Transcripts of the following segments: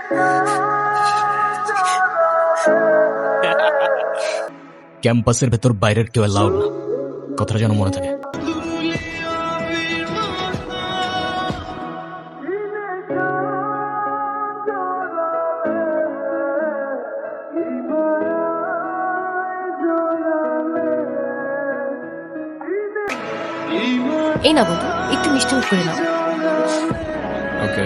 ক্যাম্পাসের ভেতর বাইরের কেউ অ্যালাউড না, কথাটা যেন মনে থাকে। এই না বন্ধু, একটু মিষ্টি মুখ করে নাও। ওকে।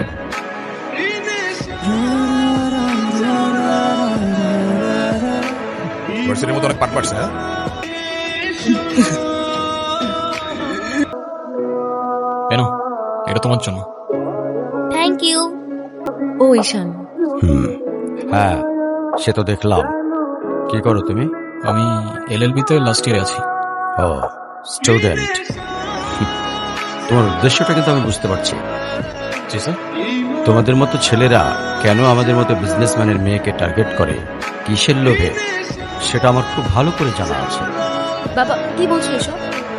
ভার্সিটির মতো অনেক পাট পাটছে। হ্যাঁ, কেন? এটা তোমার জন্য। Thank you. ও ঈশান, হ্যাঁ, সে তো দেখলাম। কি করো তুমি? আমি এলএলবি-তে লাস্ট ইয়ারে আছি। ও, স্টুডেন্ট। তোমার উদ্দেশ্যটা কিন্তু আমি বুঝতে পারছি। জি স্যার। তোমাদের মতো ছেলেরা কেন আমাদের মতো বিজনেসম্যানের মেয়েকে টার্গেট করে, কিসের লোভে, সেটা আমার খুব ভালো করে জানা আছে। বাবা কি বলছো এসব?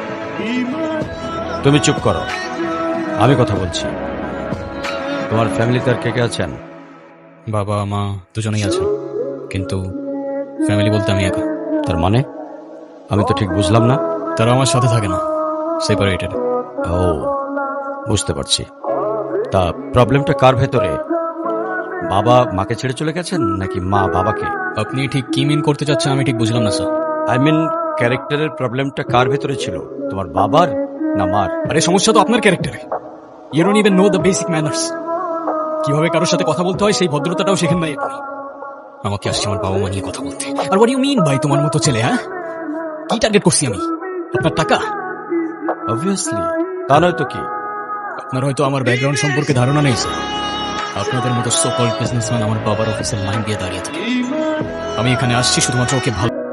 তুমি চুপ করো, আমি কথা বলছি। তোমার ফ্যামিলিতে আর কে কে আছেন? বাবা মা দুজনেই আছেন, কিন্তু ফ্যামিলি বলতে আমি একা। তার মানে আমি তো ঠিক বুঝলাম না। তারা আমার সাথে থাকে না, সেপারেটেড। ও, বুঝতে পারছি। তা প্রবলেমটা কার ভেতরে? বাবা মাকে ছেড়ে চলে গেছেন নাকি মা বাবাকে? আপনি ঠিক কি মিন করতে চাচ্ছেন আমি ঠিক বুঝলাম না স্যার। আই মিন, ক্যারেক্টারের প্রবলেমটা কার ভেতরে ছিল, তোমার বাবার না মার? আরে সমস্যা তো আপনার ক্যারেক্টারে। You don't even know the basic manners. কিভাবে কারোর সাথে কথা বলতে হয় সেই ভদ্রতাটাও শেখেন নাই আপনি। আমাকে আসছে আমার বাবা মা নিয়ে কথা বলতে। আর হোয়াট ইউ মিন ভাই তোমার মতো ছেলে? হ্যাঁ, কি টার্গেট করছি আমি? আপনার টাকা? অবভিয়াসলি, তা নয় তো কি। আপনার হয়তো আমার ব্যাকগ্রাউন্ড সম্পর্কে ধারণা নেই স্যার। আপনাদের মতো সো কল্ড বিজনেসম্যান আমার বাবার অফিসের লাইন দিয়ে দাঁড়িয়ে থাকে। আমি এখানে আসছি শুধুমাত্র ওকে ভালো